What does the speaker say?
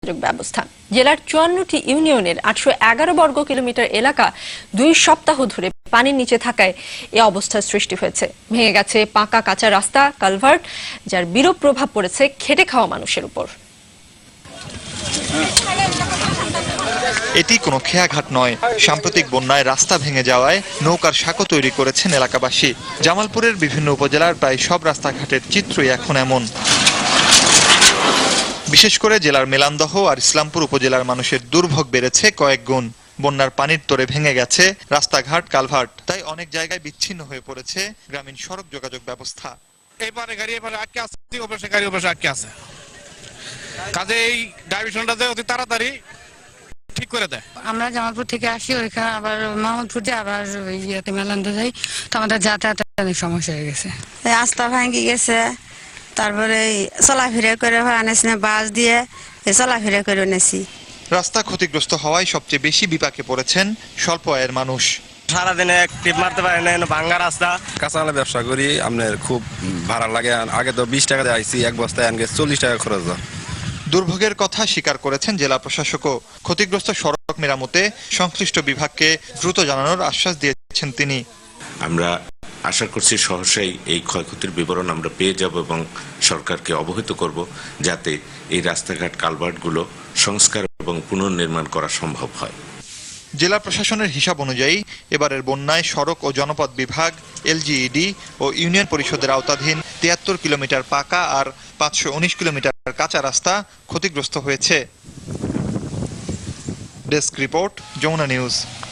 যোগাযোগ ব্যবস্থা। জেলার ৫৪টি ইউনিয়নের ৮১১ বর্গ কিলোমিটার এলাকা ২ সপ্তাহ ধরে পানির নিচে থাকায় এ অবস্থার সৃষ্টি হয়েছে। ভেঙে গেছে পাকা কাঁচা রাস্তা, কালভার্ট, যার বিরূপ প্রভাব পড়েছে খেটে খাওয়া মানুষের উপর। এটি কোনো খেয়াঘাট নয়। সাম্প্রতিক বন্যায় রাস্তা ভেঙে যাওয়ায় নৌকার সাঁকো তৈরি করেছেন এলাকাবাসী। জামালপুরের বিভিন্ন উপজেলার প্রায় সব রাস্তাঘাটের চিত্রই এখন এমন। বিশেষ করে জেলার মেলান্দহ আর ইসলামপুর উপজেলার মানুষের দুর্ভোগ বেড়েছে কয়েক গুণ। বন্যার পানির তোরে ভেঙে গেছে রাস্তাঘাট, কালভার্ট। তাই অনেক জায়গায় বিচ্ছিন্ন হয়ে পড়েছে গ্রামীণ সড়ক যোগাযোগ ব্যবস্থা। এইবারে গাড়ি এবারে আটকে আছে, অবশ্যই গাড়ি অবশ্যই আটকে আছে। কাজে এই ডাইভিশনটা অতি তাড়াতাড়ি ঠিক করে দেয়। আমরা জামালপুর থেকে আসি, ওইখানে আবার মাহমুদপুর যাই, আবার ইয়েতে মেলান্দে যাই, তো আমাদের যাতায়াতের অনেক সমস্যা হয়ে গেছে। রাস্তা ভাঙি গেছে, তারপরে চলাফেরা করে আনেছি না, বাস দিয়ে চলাফেরা করে এনেছি। রাস্তা ক্ষতিগ্রস্ত হওয়ায় সবচেয়ে বেশি বিপাকে পড়েছেন স্বল্প আয়ের মানুষ। সারাদিনে টিপ মারতে পারে না, ভাঙ্গা রাস্তা। কাঁচামালের ব্যবসা করি, আপনার খুব ভাড়া লাগে। আগে তো 20 টাকা দিয়ে আইসি, এক বস্তায় আনগে 40 টাকা খরচ হয়। দুর্ভোগের কথা স্বীকার করেছেন জেলা প্রশাসকও। ক্ষতিগ্রস্ত সড়ক মেরামতে সংশ্লিষ্ট বিভাগকে দ্রুত জানানোর আশ্বাস দিয়েছেন তিনি। আমরা আশা করছি সহসাই এই ক্ষয়ক্ষতির বিবরণ আমরা পেয়ে যাব এবং সরকারকে অবহিত করব, যাতে এই রাস্তাঘাট কালভার্টগুলো সংস্কার এবং পুনর্নির্মাণ করা সম্ভব হয়। জেলা প্রশাসনের হিসাব অনুযায়ী এবারের বন্যায় সড়ক ও জনপথ বিভাগ, এলজিইডি ও ইউনিয়ন পরিষদের আওতাধীন ৭৩ কিলোমিটার পাকা আর ৫১৯ কিলোমিটার কাঁচা রাস্তা ক্ষতিগ্রস্ত হয়েছে। Desk report, Jamuna news.